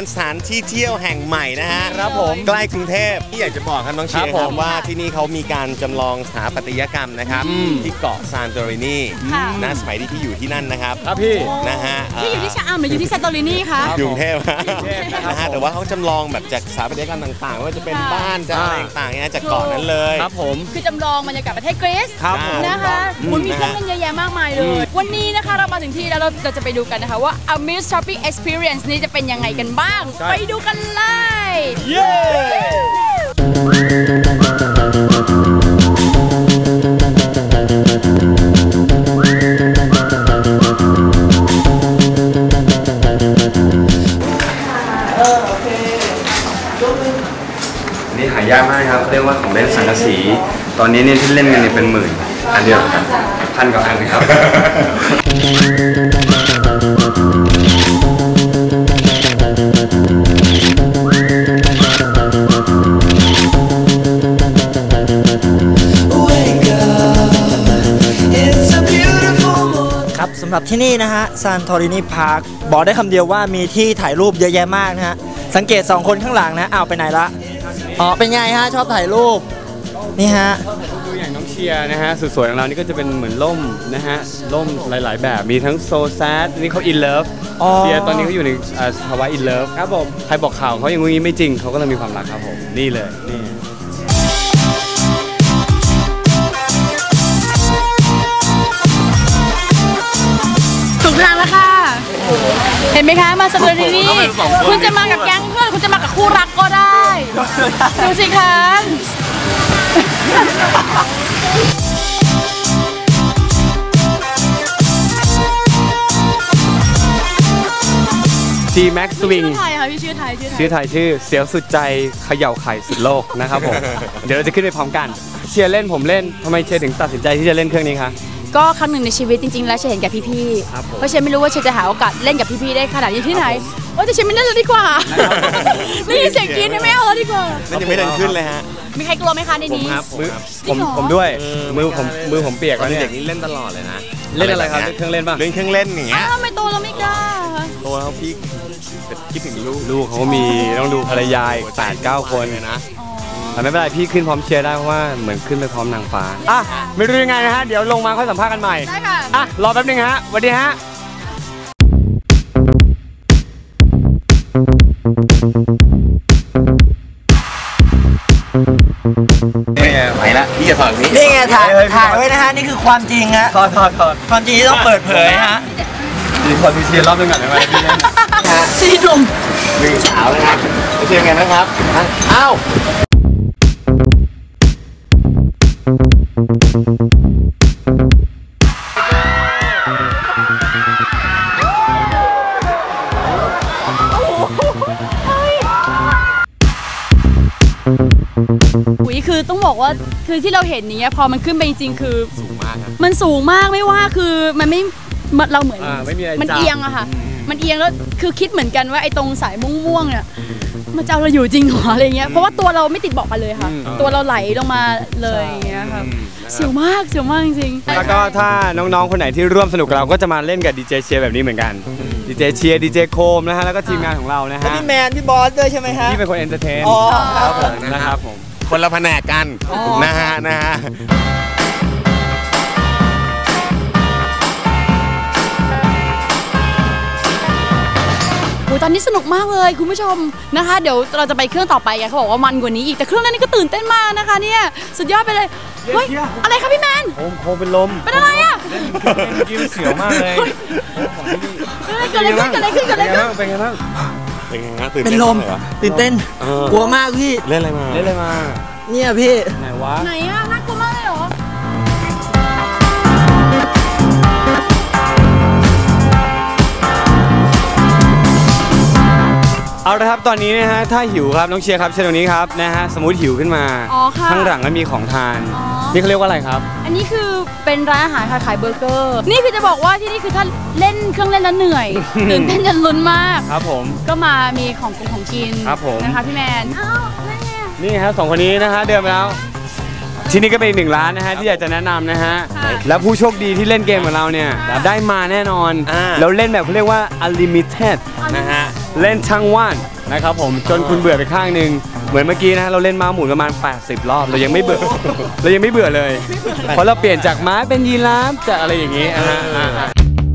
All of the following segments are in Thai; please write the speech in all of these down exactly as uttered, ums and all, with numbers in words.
สถานที่เที่ยวแห่งใหม่นะฮะครับผมใกล้กรุงเทพที่อยากจะบอกครับน้องเชียร์ครับว่าที่นี่เขามีการจำลองสถาปัตยกรรมนะครับที่เกาะซานโตรินีนะสมัยที่พี่อยู่ที่นั่นนะครับครับพี่นะฮะพี่อยู่ที่ชะอำหรืออยู่ที่ซานโตรินีคะกรุงเทพนะฮะแต่ว่าเขาจำลองแบบจากสถาปัตยกรรมต่างๆว่าจะเป็นบ้านจะอะไรต่างๆเนี่ยจากเกาะนั้นเลยครับผมคือจำลองบรรยากาศประเทศกรีซนะคะคุณมีเครื่องเล่นเยอะแยะมากมายเลยวันนี้นะคะเรามาถึงที่แล้วเราจะไปดูกันนะคะว่า Amuse Shopping Experience นี้จะเป็นยังไงกันบ้างไปดูกันเลยเย้นี่หายากมากครับเรียกว่าของเล่นสังกะสีตอนนี้เนี่ยที่เล่นกันเนี่ยเป็นหมื่นอันเดียวกันพันกว่าอันเลยครับครับสำหรับที่นี่นะฮะซานโตรินีพาร์คบอกได้คำเดียวว่ามีที่ถ่ายรูปเยอะแยะมากนะฮะสังเกตสองคนข้างหลังนะอ้าวไปไหนละอ๋อเป็นไงฮะชอบถ่ายรูปนี่ฮะดูอย่างน้องเชียร์นะฮะสุดสวยของเรานี่ก็จะเป็นเหมือนล่มนะฮะล่มหลายๆแบบมีทั้งโซแซดนี่เขาอินเลิฟเชียร์ตอนนี้เขาอยู่ในภาวะอินเลิฟครับผมใครบอกข่าวเขาอย่างงี้ไม่จริงเขาก็เลยมีความรักครับผมนี่เลยนี่ถูกทางแล้วค่ะเห็นไหมคะมาซานโตรินีคุณจะมากับแก๊งเพื่อนคุณจะมากับคู่รักก็ได้ดูสิคะจีแม็กซ์สวิงชื่อไทยค่ะพี่ชื่อไทยชื่อไทยชื่อเสียวสุดใจเขย่าไข่สุดโลกนะครับผมเดี๋ยวเราจะขึ้นไปพร้อมกันเชียร์เล่นผมเล่นทำไมเชียร์ถึงตัดสินใจที่จะเล่นเครื่องนี้คะก็ครั้งหนึ่งในชีวิตจริงๆแล้วเชยเห็นกับพี่ๆเพราะเชยไม่รู้ว่าเชยจะหาโอกาสเล่นกับพี่ๆได้ขนาดนี้ที่ไหนว่าแต่เชยไม่เล่นแล้วดีกว่าไม่ยินเสียงกรี๊ดไม่เอาแล้วดีกว่านั่นยังไม่เดินขึ้นเลยฮะมีใครกลัวไหมคะในนี้ผมผมด้วยมือผมมือผมเปียกแล้วเนี่ยเด็กนี้เล่นตลอดเลยนะเล่นอะไรครับเครื่องเล่นป่ะเล่นเครื่องเล่นอย่างเงี้ยทำไมโตเราไม่กล้าโตแล้วพี่คิดถึงลูกลูกเขามีต้องดูภรรยาแปดเก้าคนเลยนะแต่ไม่เป็นไรพี่ขึ้นพร้อมเชียร์ได้เพราะว่าเหมือนขึ้นไปพร้อมนางฟ้าอ่ะไม่รู้ยังไงนะฮะเดี๋ยวลงมาค่อยสัมภาษณ์กันใหม่ได้ค่ะอ่ะรอแป๊บนึงฮะสวัสดีฮะไปละพี่จะถอดนี้นี่ไงถ่ายถ่ายไว้นะฮะนี่คือความจริงฮะถอดถอดถอดความจริงที่ต้องเปิดเผยฮะดีพอมีเชียร์รอบนึงก่อนได้ไหมพี่เล่นชีหนุ่มหนึ่งสาวนะครับจะเชียร์ไงนะครับอ้าวอุ้ยคือต้องบอกว่าคือที่เราเห็นนี้พอมันขึ้นไปจริงๆคือสูงมากมันสูงมากไม่ว่าคือมันไม่เราเหมือนมันเอียงอะค่ะมันเอียงแล้วคือคิดเหมือนกันว่าไอ้ตรงสายม่วงๆเนี่ยมันจะเอาเราอยู่จริงหรออะไรเงี้ยเพราะว่าตัวเราไม่ติดเบาะกันเลยค่ะตัวเราไหลลงมาเลยอย่างเงี้ยค่ะเสียวมากเสียวมากจริงๆแล้วก็ถ้าน้องๆคนไหนที่ร่วมสนุกกับเราก็จะมาเล่นกับดีเจเชียร์แบบนี้เหมือนกันดีเจเชียร์ดีเจโคมนะฮะแล้วก็ทีมงานของเรานะฮะพี่แมนพี่บอสด้วยใช่ไหมฮะที่เป็นคนเอนเตอร์เทนนะครับผมคนละแผนกกันนะฮะนะฮะตอนนี้สนุกมากเลยคุณผู้ชมนะคะเดี๋ยวเราจะไปเครื่องต่อไปไงเขาบอกว่ามันกว่านี้อีกแต่เครื่องนั้นนี่ก็ตื่นเต้นมากนะคะเนี่ยสุดยอดไปเลยเฮ้ยอะไรคะพี่แมนโคมโคมเป็นลมเป็นอะไรอ่ะยิ้มเสียวมากเลยเกิดอะไรขึ้นเกิดอะไรขึ้นเกิดอะไรขึ้นเป็นไงบ้างเป็นไงฮะตื่นเป็นลมตื่นเต้นกลัวมากพี่เล่นอะไรมาเล่นอะไรมาเนี่ยพี่ไหนวะไหนอ่ะน่ากลัวมากเลยเหรอเอาละครับตอนนี้นะฮะถ้าหิวครับน้องเชียร์ครับเชิญตรงนี้ครับนะฮะสมมุติหิวขึ้นมาข้างหลังก็มีของทานนี่เขาเรียกว่าอะไรครับอันนี้คือเป็นร้านอาหารขายเบอร์เกอร์นี่คือจะบอกว่าที่นี่คือถ้าเล่นเครื่องเล่นแล้วเหนื่อยตื่นเต้นจนลุ้นมากครับผมก็มามีของกินของกินครับผมนะคะพี่แมนอ้าวนี่ครับสองคนนี้นะฮะเดินมาแล้วที่นี่ก็เป็นอีกหนึ่งร้านนะฮะที่อยากจะแนะนำนะฮะแล้วผู้โชคดีที่เล่นเกมกับเราเนี่ยได้มาแน่นอนแล้วเล่นแบบเขาเรียกว่า unlimited นะฮะเล่นทั้งวันนะครับผมจนคุณเบื่อไปข้างหนึ่งเหมือนเมื่อกี้นะเราเล่นม้าหมุนประมาณแปดสิบรอบเรายังไม่เบื่อเรายังไม่เบื่อเลยเพราะเราเปลี่ยนจากม้าเป็นยีราฟจากอะไรอย่างนี้อ่า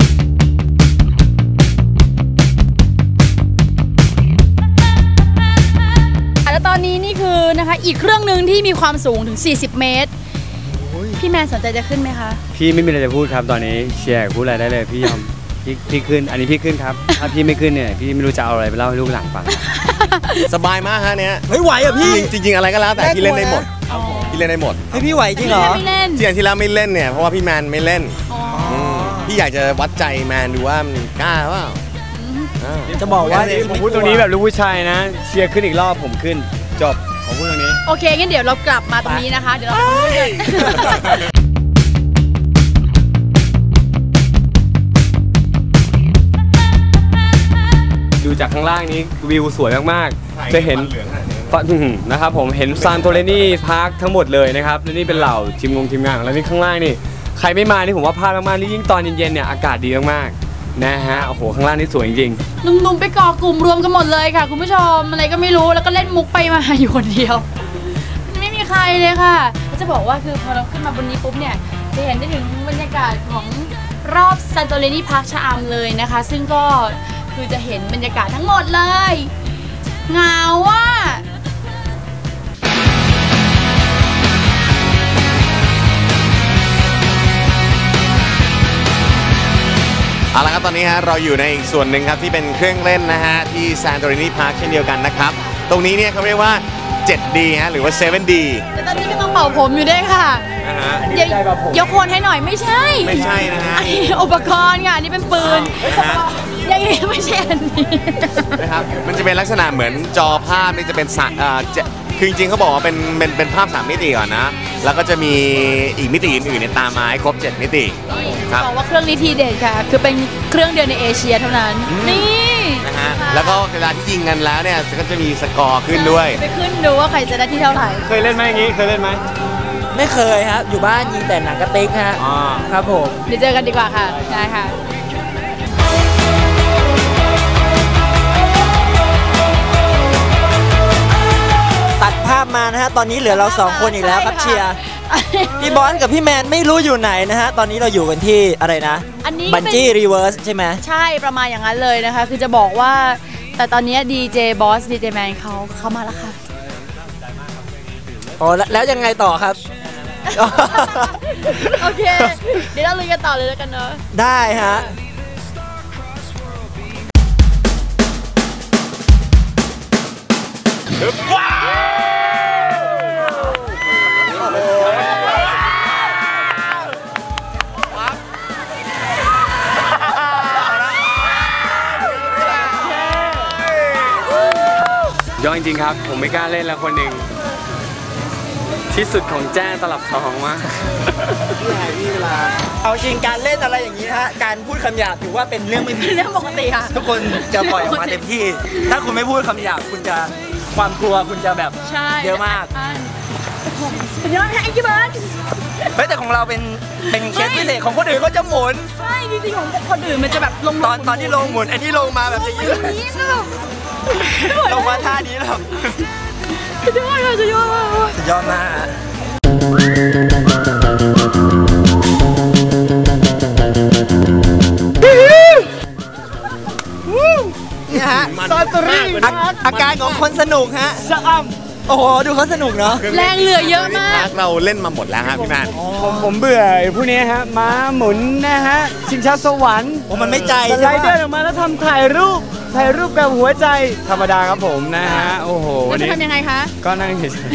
แล้วตอนนี้นี่คือนะคะอีกเครื่องหนึ่งที่มีความสูงถึงสี่สิบเมตรพี่แมนสนใจจะขึ้นไหมคะพี่ไม่มีอะไรจะพูดครับตอนนี้เชียร์พูดอะไรได้เลยพี่ยอมพี่พี่ขึ้นอันนี้พี่ขึ้นครับถ้าพี่ไม่ขึ้นเนี่ยพี่ไม่รู้จะเอาอะไรไปเล่าให้ลูกหลานฟังสบายมากฮะเนี้ยไม่ไหวอ่ะพี่จริงๆอะไรก็แล้วแต่พี่เล่นได้หมดพี่เล่นได้หมดเฮ้ยพี่ไหวจริงเหรอไม่เล่นที่อย่างที่แล้วไม่เล่นเนี่ยเพราะว่าพี่แมนไม่เล่นพี่อยากจะวัดใจแมนดูว่ามันกล้าเปล่าจะบอกว่าผมพูดตรงนี้แบบลูกผู้ชายนะเชียร์ขึ้นอีกรอบผมขึ้นจบผมพูดตรงนี้โอเคงั้นเดี๋ยวเรากลับมาตรงนี้นะคะเดี๋ยวเราไปกันดูจากข้างล่างนี้วิวสวยมากๆจะเห็นนะครับผมเห็นซานโตเรนีพาร์คทั้งหมดเลยนะครับและนี่เป็นเหล่าทีมงงทีมงานแล้วนี่ข้างล่างนี่ใครไม่มานี่ผมว่าพลาดมากๆนี่ยิ่งตอนเย็นๆเนี่ยอากาศดีมากๆนะฮะโอ้โหข้างล่างนี่สวยจริงๆหนุ่มๆไปก่อกลุ่มรวมกันหมดเลยค่ะคุณผู้ชมอะไรก็ไม่รู้แล้วก็เล่นมุกไปมาอยู่คนเดียวไม่มีใครเลยค่ะจะบอกว่าคือพอเราขึ้นมาบนนี้ปุ๊บเนี่ยจะเห็นได้ถึงบรรยากาศของรอบซานโตเรนีพาร์คชะอำเลยนะคะซึ่งก็คือจะเห็นบรรยากาศทั้งหมดเลยเหงาว่ะเอาละครับตอนนี้ฮะเราอยู่ในอีกส่วนหนึ่งครับที่เป็นเครื่องเล่นนะฮะที่ซานโตเรนีพาร์คเช่นเดียวกันนะครับตรงนี้เนี่ยเขาเรียกว่า เซเว่นดี ฮะหรือว่า เซเว่นดีแต่ตอนนี้ก็ต้องเป่าผมอยู่ด้วยค่ะยกโคนให้หน่อยไม่ใช่ไม่ใช่นะฮะอุปกรณ์ค่ะนี่เป็นปืนยังไม่ใช่อันนี้นะครับมันจะเป็นลักษณะเหมือนจอภาพนี่จะเป็นสัตว์คือจริงๆเขาบอกว่าเป็นเป็นเป็นภาพสามมิติก่อนนะแล้วก็จะมีอีกมิติอื่นๆในตามมาให้ครบเจ็ดมิติครับบอกว่าเครื่องนี้ทีเด็ดค่ะคือเป็นเครื่องเดียวในเอเชียเท่านั้นนี่นะฮะแล้วก็เวลาที่ยิงกันแล้วเนี่ยก็จะมีสกอร์ขึ้นด้วยไปขึ้นดูว่าใครจะได้ที่เท่าไหร่เคยเล่นไหมอย่างนี้เคยเล่นไหมไม่เคยครับอยู่บ้านยิงแต่หนังกระติกฮะครับผมเดี๋ยวเจอกันดีกว่าค่ะได้ค่ะตัดภาพมานะฮะตอนนี้เหลือเราสองคนอีกแล้วครับเชียร์พี่บอลกับพี่แมนไม่รู้อยู่ไหนนะฮะตอนนี้เราอยู่กันที่อะไรนะบันจี้รีเวิร์สใช่ไหมใช่ประมาณอย่างนั้นเลยนะคะคือจะบอกว่าแต่ตอนนี้ดีเจบอสดีเจแมนเขาเข้ามาแล้วค่ะอ๋อแล้วยังไงต่อครับโอเคเดี๋ยวเราลุยกันต่อเลยแล้วกันเนอะได้ฮะว้าย้อนจริงครับผมไม่กล้าเล่นแล้วคนหนึ่งที่สุดของแจ้งตลับทองมากพี่เวลาเอาจริงการเล่นอะไรอย่างนี้ฮะการพูดคำหยาบถือว่าเป็นเรื่องไม่เป็นเรื่องปกติค่ะทุกคนจะปล่อยออกมาเต็มที่ถ้าคุณไม่พูดคำหยาบคุณจะความกลัวคุณจะแบบเยอะมากสุดยอดแฮงกี้เบิร์ดเฮ้ยแต่ของเราเป็นเป็นเคสพิเศษของคนอื่นก็จะหมุนใช่จริงๆของคนอื่นมันจะแบบลงตอนตอนที่ลงหมุนอันนี้ลงมาแบบนี้ลงมาท่านี้แล้วสุดยอดเลยสุดยอดสุดยอดมากนี่ฮะซาตอรี่อาการของคนสนุกฮะสะอ้ำโอ้โหดูเขาสนุกเนาะแรงเหลือเยอะมากเราเล่นมาหมดแล้วฮะพี่แมนผมผมเบื่อผู้นี้ฮะม้าหมุนนะฮะชิงช้าสวรรค์โอ้มันไม่ใจสไลเดอร์ออกมาแล้วทำถ่ายรูปถ่ายรูปกับหัวใจธรรมดาครับผมนะฮะโอ้โหวันนี้ทำยังไงคะก็นั่งเฉย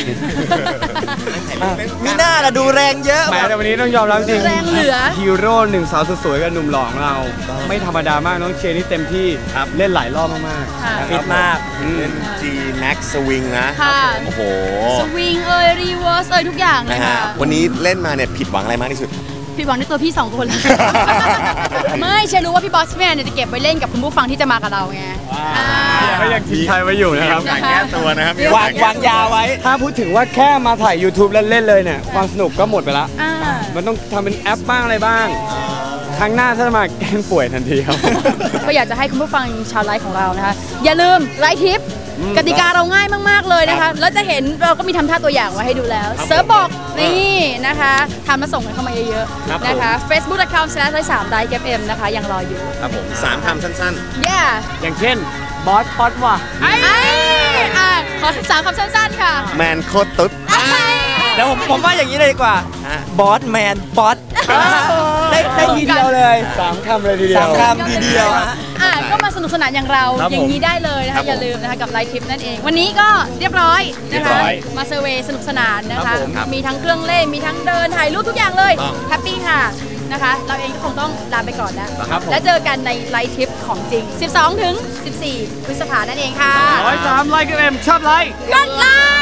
มีหน้าละดูแรงเยอะแม้แต่วันนี้ต้องยอมรับจริงแรงเหลือฮีโร่หนึ่งสาวสวยกับหนุ่มหล่อของเราไม่ธรรมดามากน้องเชนนี่เต็มที่เล่นหลายรอบมากๆฟิตมากเล่น G Max Swing นะโอ้โหสวิงเอ่ยรีเวิร์สเอ่ยทุกอย่างเลยค่ะวันนี้เล่นมาเนี่ยผิดหวังอะไรมากที่สุดผิดหวังในตัวพี่สองคนแล้วไม่เชื่อรู้ว่าพี่บอสแมนเนี่ยจะเก็บไว้เล่นกับคุณผู้ฟังที่จะมากับเราไงก็ยังทิ้งไทยไว้อยู่นะครับอยากแก้ตัวนะครับวางวางยาไว้ถ้าพูดถึงว่าแค่มาถ่าย ยูทูบ เล่นๆเลยเนี่ยความสนุกก็หมดไปละมันต้องทำเป็นแอปบ้างอะไรบ้างครั้งหน้าถ้ามาแกล้งป่วยทันทีครับก็อยากจะให้คุณผู้ฟังชาวไลฟ์ของเรานะคะอย่าลืมไลฟ์ทิปกติกาเราง่ายมากๆเลยนะคะแล้วจะเห็นเราก็มีทำท่าตัวอย่างไว้ให้ดูแล้วเซิร์ฟบอกนี่นะคะทำมาส่งกันเข้ามาเยอะๆนะคะ facebook dot com slash สามไลค์ เอฟ เอ็ม นะคะยังรออยู่ครับผมสามคำสั้น yeah อย่างเช่นบอสป๊อตว่ะไอ้อ่ะขอสามคำสั้นๆค่ะๆ แมนโคตรตุ๊ดเดี๋ยวผมผมว่าอย่างนี้เลยดีกว่าฮะบอสแมนป๊อตได้ได้ทีเดียวเลยสามคำเลยทีเดียวสามคำทีเดียวฮะอ่ะก็มาสนุกสนานอย่างเราครับผมอย่างนี้ได้เลยนะครัคะบผมอย่าลืมนะคะกับไลฟ์ทิปนั่นเอง วันนี้ก็เรียบร้อยนะเรียคะบร้อยมาเซอร์เวย์สนุกสนานนะครัคะบผมครับมีทั้งเครื่องเล่นมีทั้งเดินถ่ายรูปทุกอย่างเลยต้องแฮปปี้ค่ะนะคะ เราเองก็คงต้องลาไปก่อนแล้วครับผมแล้วเจอกันในไลฟ์ทิปของจริง สิบสองถึงสิบสี่ พฤษภานั่นเองค่ะร้อยสามไลค์กันเอ็มชอบไลค์กดไลค์